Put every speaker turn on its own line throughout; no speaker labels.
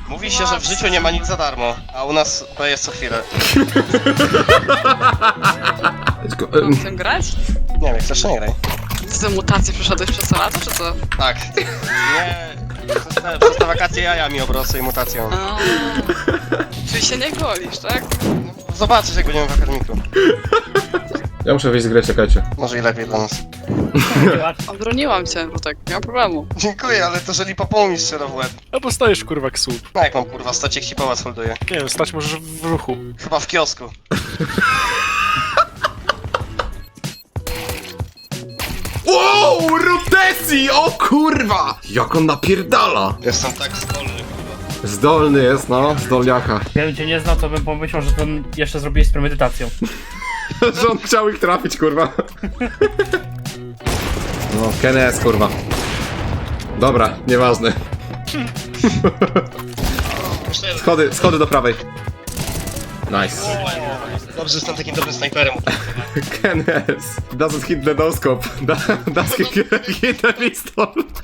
Mówi się, że w życiu nie ma nic za darmo, a u nas to jest co chwilę.
Chcę grać?
Nie wiem, chcesz czy nie graj?
Ty te mutacje przeszedłeś przez to lato, czy co?
Tak. Nie. Przez te wakacje jaja mi obrosły i mutacją.
A, czyli się nie golisz, tak?
Zobaczysz jak będziemy w akarmiku.
Ja muszę wyjść z gry, czekajcie.
Może i lepiej dla nas.
Obroniłam cię, Rutek, nie ma problemu.
Dziękuję, ale to że Lipopoł mi strzela w łeb.
No bo stajesz kurwa jak słup.
No jak mam kurwa, stać ci pałac holduje.
Nie wiem, stać możesz w ruchu.
Chyba w kiosku.
Wow, Rutesi! O kurwa! Jak on napierdala!
Jestem tak zdolny, kurwa.
Zdolny jest, no, zdolniaka.
Gdybym cię nie znał, to bym pomyślał, że to jeszcze zrobiłeś z premedytacją.
Że on chciał ich trafić, kurwa. No, Kenes, kurwa. Dobra, nieważne. Schody do prawej. Nice.
Dobrze, że jestem takim dobrym snajperem.
Kenes. Doesn't hit the no-scope. Doesn't hit the pistol.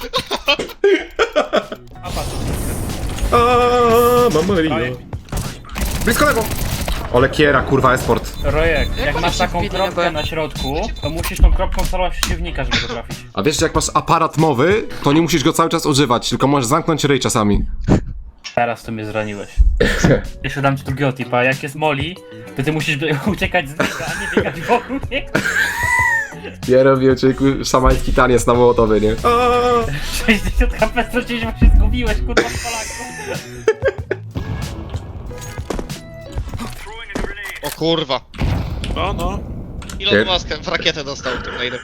Mamma mia. Blisko lewo. Ole kiera, kurwa, esport.
Rojek,
Jak
jak
oni
masz
się
taką
wbili na
kropkę
B?
na środku, to musisz tą kropką celować w przeciwnika, żeby go trafić.
A wiesz, że jak masz aparat mowy, to nie musisz go cały czas używać, tylko możesz zamknąć ryj czasami.
Teraz tu mnie zraniłeś. Jeszcze dam ci drugiego tipa, jak jest Molly, to ty musisz uciekać z niego, a nie biegać wokół niego.
Ja robię szamański taniec na Mołotowie, nie?
60 HP straciłeś, bo się zgubiłeś, kurwa, w Polaku.
O kurwa.
No, no.
Elon Musk w rakietę dostał tutaj.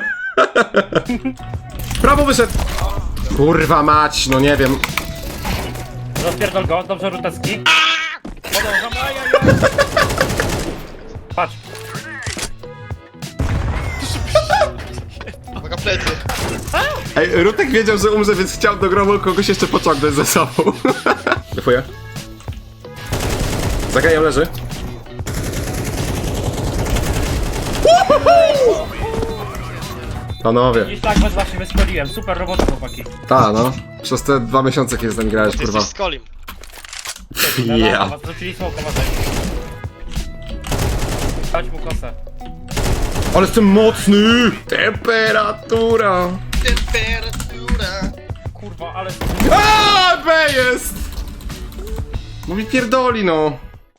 Prawo wyszedł! Kurwa mać, no nie wiem.
Rozpierdol go, dobrze Rutecki. Podążam, Patrz,
Uwaga, plecy.
Ej, Rutek wiedział, że umrze, więc chciał do grobu kogoś jeszcze pociągnąć ze sobą. Defuję. Zagajem leży. Panowie.
i tak was właśnie wyszkoliłem, super robota chłopaki.
Ta, no. Przez te 2 miesiące, kiedy z nami grałeś,
Ty
kurwa.
jesteś z Kolim.
Ja.
Was wrócili smoka, Dać mu kosę.
Ale jestem mocny! Temperatura!
Temperatura.
Kurwa, ale...
A, B jest! No mi pierdoli, no.